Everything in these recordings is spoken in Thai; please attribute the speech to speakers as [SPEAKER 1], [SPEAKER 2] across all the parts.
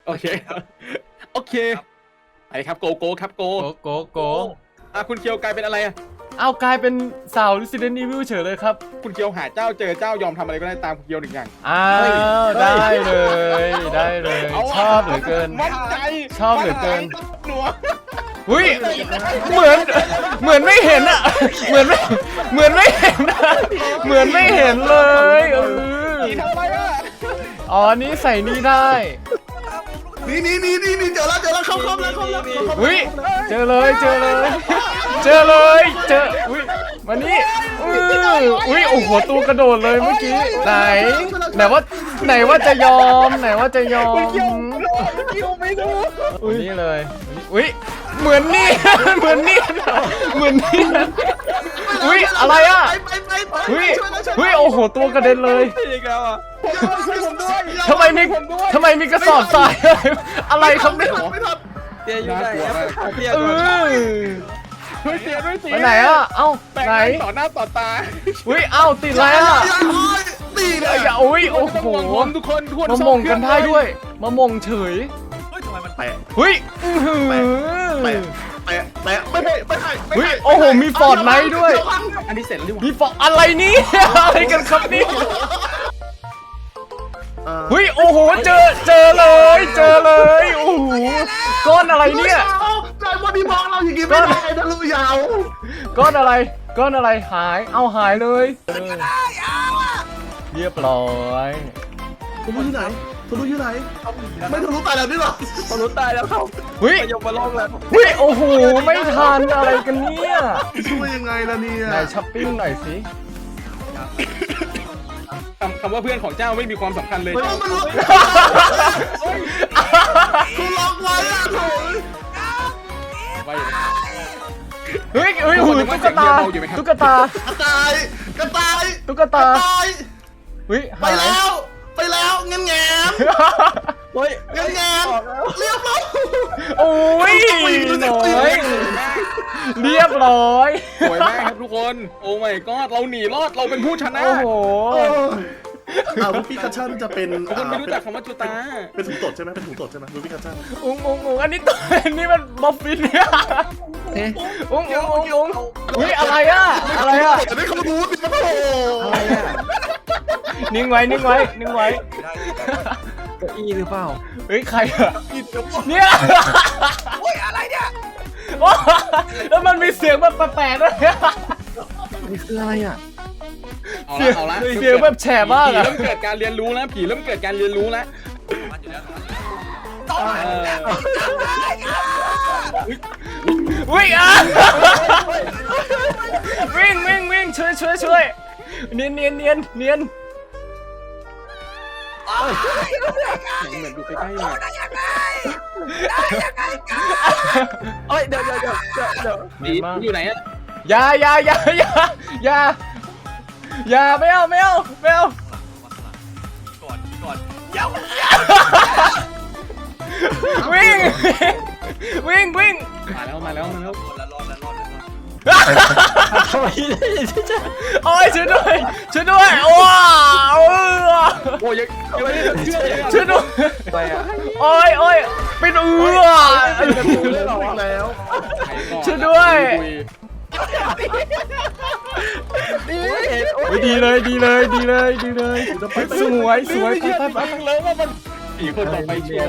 [SPEAKER 1] โอเคโอเคไปครับโกครับโกคุณเคียวกลายเป็นอะไรอะ
[SPEAKER 2] เอากลายเป็นสาว Resident Evil เฉยเลยครับ
[SPEAKER 1] คุณเคียวหาเจ้าเจอเจ้ายอมทำอะไรก็ได้ตามคุณเคียวหนึ่งอย่าง
[SPEAKER 2] อ้าวได้เลยชอบเหลือเกิน
[SPEAKER 1] มั่นใจ
[SPEAKER 2] ชอบเหลือเกิน
[SPEAKER 1] หนัว
[SPEAKER 2] อุ้ยเหมือนไม่เห็นอะเหมือนไม่เห็นอะเหมือนไม่เห็นเลย
[SPEAKER 1] นี่ทำไมอะ
[SPEAKER 2] อ๋อนี่ใส่นี่ได้
[SPEAKER 3] นี่เจอแล้วเข้าแล้ว
[SPEAKER 2] อุ้ยเจอเลยอุ้ยมานี่อุ้ยโอ้โหตัวกระโดดเลยเมื่อกี้ไหนว่าจะยอม
[SPEAKER 1] คุณเคียวไม่รู้
[SPEAKER 2] นี่เลยอุ้ยเหมือนนี่อุ้ยอะไรอ่ะอุ้ยโอ้โหตัวกระเด็นเลย
[SPEAKER 1] อีกแล้วอ่ะช่วยผมด้วย
[SPEAKER 2] ทำไมมีกระสอบทรายอะไรครับเนี่ย
[SPEAKER 1] เตียอยู่ไหนเตีย ช่วยเตียด้วยสิ
[SPEAKER 2] ไปไหนอ่ะเอ้า
[SPEAKER 1] ไหน
[SPEAKER 2] ไหน
[SPEAKER 1] ต่อหน้าต่อตา
[SPEAKER 2] อุ้ยเอ้าติดแล้วอ่ะ
[SPEAKER 3] ตีเลย
[SPEAKER 2] อย่าอุ้ยโอ้โห
[SPEAKER 1] ทุกคน
[SPEAKER 2] มามงกันได้ด้วยมามงเฉย
[SPEAKER 3] เฮ้ยทำไมมันแตะ
[SPEAKER 2] เฮ้ย
[SPEAKER 3] ไม่ให้
[SPEAKER 2] เฮ้ยโอ้โหมีฟอร์ดไนท์ด้วย
[SPEAKER 1] อันนี้เสร็จแล้วดิวะ
[SPEAKER 2] มีฟอร์ดอะไรนี่อะไรกันครับนี่เฮ้ยโอ้โหเจอเลยโอ้โหก้อนอะไรเนี่ย
[SPEAKER 3] ใจวันนี้มองเราอย่างงี้ไม่ได้ทะลุยาว
[SPEAKER 2] ก้อนอะไรหายหายเลยเรียบร้อย
[SPEAKER 3] ทะลุอยู่ไหนไม่ทะลุตายแล้วนี่หรอ
[SPEAKER 1] ทะลุตายแล้วครับ
[SPEAKER 2] เฮ้ย
[SPEAKER 1] ยกมาลงแล้ว
[SPEAKER 2] เฮ้ยโอ้โหไม่ทันอะไรกันเนี่ย
[SPEAKER 3] ช่วยยังไงล่ะเนี่ย
[SPEAKER 2] ไหนช้อปปิ้งหน่อยสิ
[SPEAKER 1] คำว่าเพื่อนของเจ้าไม่มีความสำคัญเลย
[SPEAKER 3] มันล็อกคุณล็อกไว้อะโถ
[SPEAKER 2] เฮ้ยหูตุ๊กตาเฮ้ย
[SPEAKER 3] กระต่าย
[SPEAKER 2] เฮ้ย
[SPEAKER 3] ไปแล้วแงน
[SPEAKER 1] เฮ้ย
[SPEAKER 3] เรียบร้อย
[SPEAKER 2] โอ้ยน้อยเรียบร้อย
[SPEAKER 1] สวยมากครับทุกคนโอ้ my god เราหนีรอดเราเป็นผู้ชนะ
[SPEAKER 2] โอ้โห
[SPEAKER 3] วูฟี่คัชชั่นจะเป็น
[SPEAKER 1] คนไม่รู้จักคำว่าจูตา
[SPEAKER 3] เป็นถุงตดใช่ไหมวูฟี่คัชชั่น
[SPEAKER 2] อุ้งอันนี้ตัวนี่มันบัฟฟินเนี่ยอุ้งอุ้ยอะไรอ่ะ
[SPEAKER 3] จะได้เขารู้ดิมันโอ้
[SPEAKER 1] อะไรอ่ะ
[SPEAKER 2] นิ่งไว้
[SPEAKER 1] เก้าอี้หรือเปล่า
[SPEAKER 2] เฮ้ยใครอะเนี่ย
[SPEAKER 3] โอ้ยอะไรเนี่ย
[SPEAKER 2] แล้วมันมีเสียงแบบแปลกๆด้วย
[SPEAKER 1] นี่คืออะไรอ่ะ
[SPEAKER 2] เสียงแบบแฉะมาก
[SPEAKER 1] ผี
[SPEAKER 2] อะ
[SPEAKER 1] เริ่มเกิดการเรียนรู้แล้วผีเริ่มเกิดการเรียนรู้แล้ว
[SPEAKER 2] วิ่งอ่ะวิ่งช่วยเนียน
[SPEAKER 1] เหมือนอยู่ใกล้ๆเลยเอ้ยเดี๋ยวผีอยู่ไหนอ่ะ
[SPEAKER 2] อย่าไม่เอาวิ่ง
[SPEAKER 1] มาแล้ว
[SPEAKER 2] ทำไมโอ้ยช่วยด้วยว้าว
[SPEAKER 1] โอ้ยยังไม่ได้เชื่อเลย
[SPEAKER 2] ช่วยด้วย
[SPEAKER 1] ไปอ่ะ
[SPEAKER 2] โอ้ยเป็น
[SPEAKER 3] แล้ว
[SPEAKER 2] ช่วยด้วยดีเลยสวยไป
[SPEAKER 1] แล้วว่ามันผีคนต่อไปชัวร์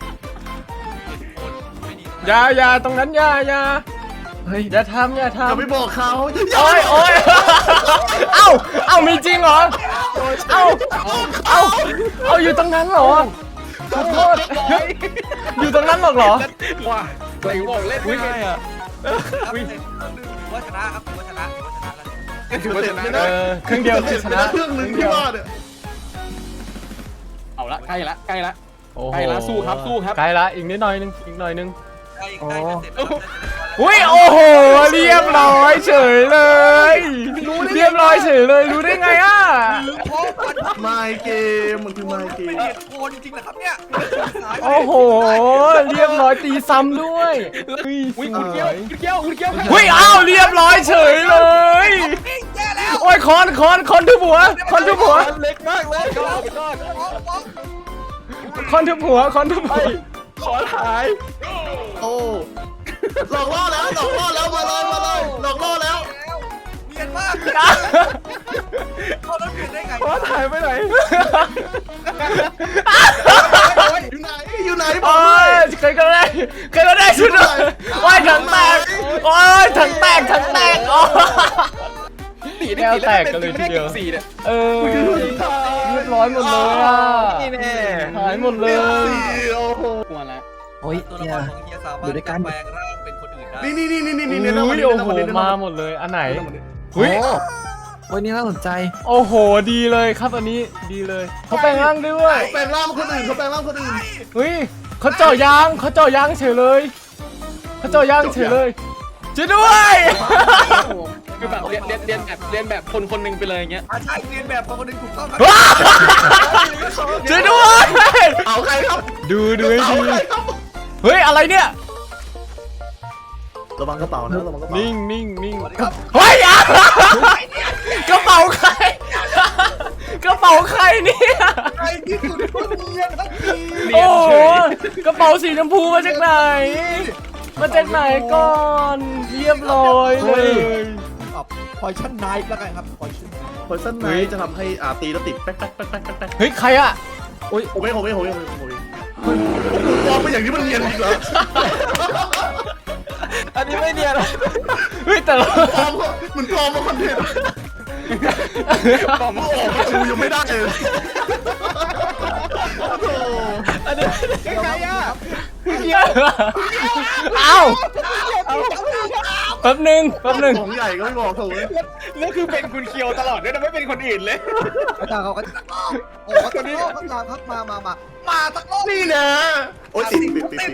[SPEAKER 2] อย่าตรงนั้นอย่าอย่าทำ
[SPEAKER 3] อย่าไปบอกเขา
[SPEAKER 2] โอ้ยเอ้ามีจริงเหรอเอ้าอยู่ตรงนั้นเหรอขอโทษอยู่ตรงนั้นเหรอ
[SPEAKER 1] ว้าไหนบอกเล่นไม่ได้อ่ะ
[SPEAKER 4] ว่าชนะครับถือว่าชนะ
[SPEAKER 1] ถือว่าชนะ
[SPEAKER 2] ครึ่งเดียวชนะ
[SPEAKER 3] เครื่องนึงที่ว่าเนี่ย
[SPEAKER 1] เอาละใกล้ละใกล้ละสู้ครับ
[SPEAKER 2] ใกล้ละอีกนิดหน่อยนึง
[SPEAKER 4] ได้เสร็จแล้ว
[SPEAKER 2] อุ้ยโอ้โหเรียบร้อยเฉยเลยรู้ได้ไงอ่ะ
[SPEAKER 3] ไมเกมมันคือไมเกม
[SPEAKER 4] โคนจริงๆนะครับเนี่ย
[SPEAKER 2] โอ้โหเรียบร้อยตีซ้ำด้วย
[SPEAKER 1] อุ้ยคุณเกี้ยว
[SPEAKER 2] อุ้ยอ้าวเรียบร้อยเฉยเลย
[SPEAKER 4] แย่แล้ว
[SPEAKER 2] โอ้ยคอนทุบหัว
[SPEAKER 1] เล็กมากเลยก็
[SPEAKER 2] คอนทุบหัว
[SPEAKER 1] ขอถ่าย
[SPEAKER 3] โอ้หลอกล่อแล้วหลอกล่อแล้วมาเลยหลอกล่อแล้ว
[SPEAKER 4] เนียนมากเขาแล้วเปลี่ยนได้ไง
[SPEAKER 1] ขอถ่ายไปไหน
[SPEAKER 3] อยู่ไหนบอ
[SPEAKER 2] โอ้
[SPEAKER 3] กด้วย
[SPEAKER 2] ยเคยก็ได้ชุดเลยโอ้ยถังแตกโอ้ยถังแตกโอ้
[SPEAKER 1] สีนี่สี
[SPEAKER 2] แตกกันเลยทีเดียว
[SPEAKER 1] สีเนี่ย
[SPEAKER 2] เออเรียบร้อยหมดเลยอ่ะ
[SPEAKER 1] นี่แน่
[SPEAKER 2] หายหมดเลย
[SPEAKER 3] โอ้โห
[SPEAKER 1] กลัวแล้ว
[SPEAKER 5] โอ้ย
[SPEAKER 4] ตัวละ
[SPEAKER 5] เฮี
[SPEAKER 4] ค
[SPEAKER 5] ย
[SPEAKER 4] รของเฮียสามารถแปลงร่างเป็นคนอื่นได้
[SPEAKER 3] นี่
[SPEAKER 2] อุ้ยโอ้โหมาหมดเลยอันไหน
[SPEAKER 5] โอ้
[SPEAKER 2] อุ้ย
[SPEAKER 5] โอ้ยนี่น่าสนใจ
[SPEAKER 2] โอ้โหดีเลยครับอันนี้ดีเลยเขาแปลงร่างด้วย
[SPEAKER 3] แปลงร่างคนอื่นเขาแปลงร่างคนอื่น
[SPEAKER 2] เฮ้ยเขาเจาะยางเฉยเลยเขาเจาะยางเฉยเลยช่วยด้วย
[SPEAKER 1] คือแบบเรียนแบบคนหนึ่งไปเลยอย่างเงี้ย
[SPEAKER 4] ใช่เรียนแบบคนอื่นถูกต้องครับ
[SPEAKER 2] ช่วยด้วย
[SPEAKER 3] เอาใครครับ
[SPEAKER 2] ดูให้
[SPEAKER 3] เอา
[SPEAKER 2] ดี
[SPEAKER 3] ใครครับ
[SPEAKER 2] เฮ้ยอะไรเนี่ย
[SPEAKER 3] ระวังกระเป๋านะระวังกระเป๋า
[SPEAKER 2] นิ่ง
[SPEAKER 4] สวัสดีครับ
[SPEAKER 2] เฮ้ยอ่ะกระเป๋าใครกระเป๋าใครเนี่ย
[SPEAKER 4] ใครที่สุดก็เนียนครับพี่
[SPEAKER 2] โอ้โหกระเป๋าสีชมพูมาจากไหนก่อนเรียบร้อยเลย
[SPEAKER 4] พอยชั่นไนท์แล้วกันครับพอยชั่น
[SPEAKER 3] พอยซันไนท์จะทำให้ตีแล้วติดแป๊ก
[SPEAKER 2] เฮ้ยใครอะ
[SPEAKER 3] ผมเองมองไปอย่างนี้มันเนียนจริงเหรอ
[SPEAKER 1] อันนี้ไม่เนียน
[SPEAKER 2] เฮ้ยแต่เรา
[SPEAKER 3] มันปลอมมาคอนเทนต์
[SPEAKER 1] บอกมา
[SPEAKER 3] ดูยังไม่ได้เลย
[SPEAKER 1] อันนี้ใครอ่ะ
[SPEAKER 2] เอ้าแป๊บหนึง
[SPEAKER 3] ของใหญ่ก็ไม่บอกถูกเลย
[SPEAKER 1] แล้วคือเป็นคุณเคียวตลอดด้วยนะไม่เป็นคนอื่นเลย
[SPEAKER 4] อาจารย์เขาก็ตักรอบโอ้ตอนนี้อาจารย์ครับมาตักรอบ
[SPEAKER 3] นี่นะโอ้ยติด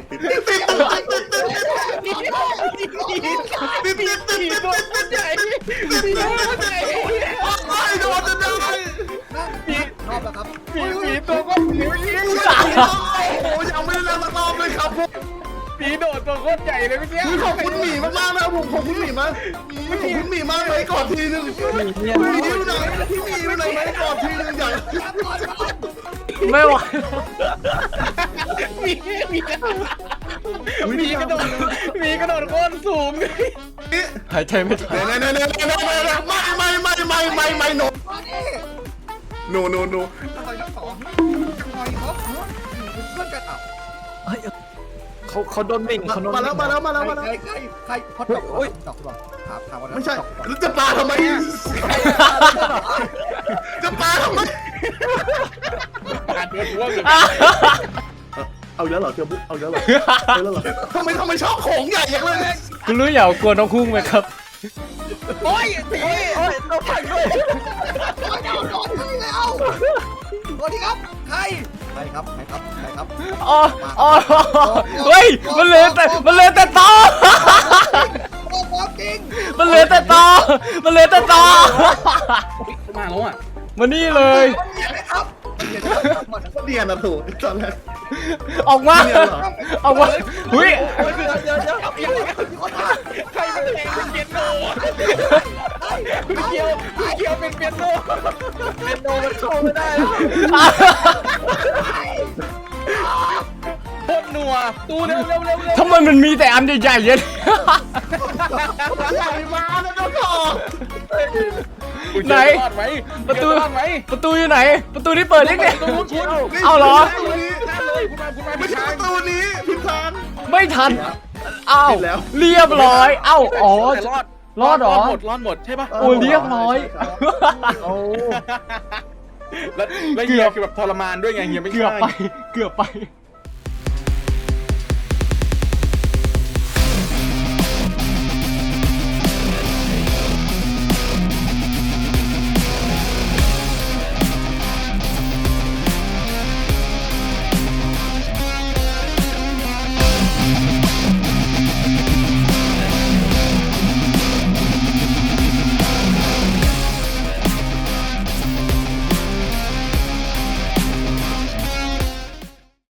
[SPEAKER 1] ผีตัวใหญ่ผีตัวใหญ่
[SPEAKER 3] ไม่โดนจะได้
[SPEAKER 4] รอบแล้วครับ
[SPEAKER 1] ผีตัวก็ผิวยิ้ม
[SPEAKER 3] โอ้ยยังไม่ได้แล้วสักรอบเลยครับผม
[SPEAKER 1] ผีโดดตัวโคตรใหญ่เลยเมื่อกี้
[SPEAKER 3] ขอบคุณหมีมากๆนะผมขอบคุณหมีมากขอบคุณหมีมากเลยกอดทีนึงหมีอยู่ไหนพี่หมีอยู่ไหนไหมกอดทีนึงใหญ่
[SPEAKER 2] ไม่ไหว
[SPEAKER 1] มีกระโดดโคตรสูง
[SPEAKER 2] หายใจไม่ทัน
[SPEAKER 3] ไม่โนโน
[SPEAKER 4] ทำไมทั้งสองทำไมครับเพื่อนกันอ่ะ
[SPEAKER 1] เขาโดนบิ่งเขาโดน
[SPEAKER 3] มาแล้ว
[SPEAKER 4] ใครพอตกโอ้ยตกหรอถามว่า
[SPEAKER 3] ไม่ใช่แล้วจะปลาทำไมจะปลาทำไม
[SPEAKER 1] การเดือดร่วงเลย
[SPEAKER 3] เอาเยอะเหรอเทียบเอาเยอะเหรอทำไมชอบของใหญ่อย่างเลย
[SPEAKER 2] คุณรู้อย่ากลัวน้องคุ้งไหมครับ
[SPEAKER 1] โอ้ยผีเราผ่านด้วย
[SPEAKER 4] โดนที่แล้วสวัสดีครับใครครับ
[SPEAKER 2] อ๋อเฮ้ยมันเหลือแต่ตอ
[SPEAKER 4] โอ้โหจริง
[SPEAKER 2] มันเหลือแต่ตอ
[SPEAKER 1] มาแล้วอ่ะ
[SPEAKER 2] มานี่เลย
[SPEAKER 4] ครับ
[SPEAKER 3] เนียนนะถูกตอนแรก
[SPEAKER 2] ออกมาเฮ้ย
[SPEAKER 1] ใครเป็นเพลงเป็นเปียโนคุณเคียวเป็นเปียโนมันโชว์ไม่ได้โคตรนัวตูเร็ว
[SPEAKER 2] ทำไมมันมีแต่อันใหญ่ๆเยอะ
[SPEAKER 3] ใหญ่มาแล้วน้องต่อ
[SPEAKER 2] ไหน ประตูอยู่ไหน ประตูที่เปิดนี่เนี่ยเอาเหรอ
[SPEAKER 3] ไม่ใช่ประตูนี้พิมพ์ทาง
[SPEAKER 2] ไม่ทันอ้าว
[SPEAKER 3] ผิดแล้ว
[SPEAKER 2] เรียบร้อยเอ้าอ๋อ รอดเหรอ
[SPEAKER 1] รอดหมดใช่ปะ
[SPEAKER 2] โอ้เรียบร้อย
[SPEAKER 1] แล้วเฮียคือแบบทรมานด้วยไงเฮียไม่
[SPEAKER 2] เกือบ
[SPEAKER 1] ใช่
[SPEAKER 2] ไป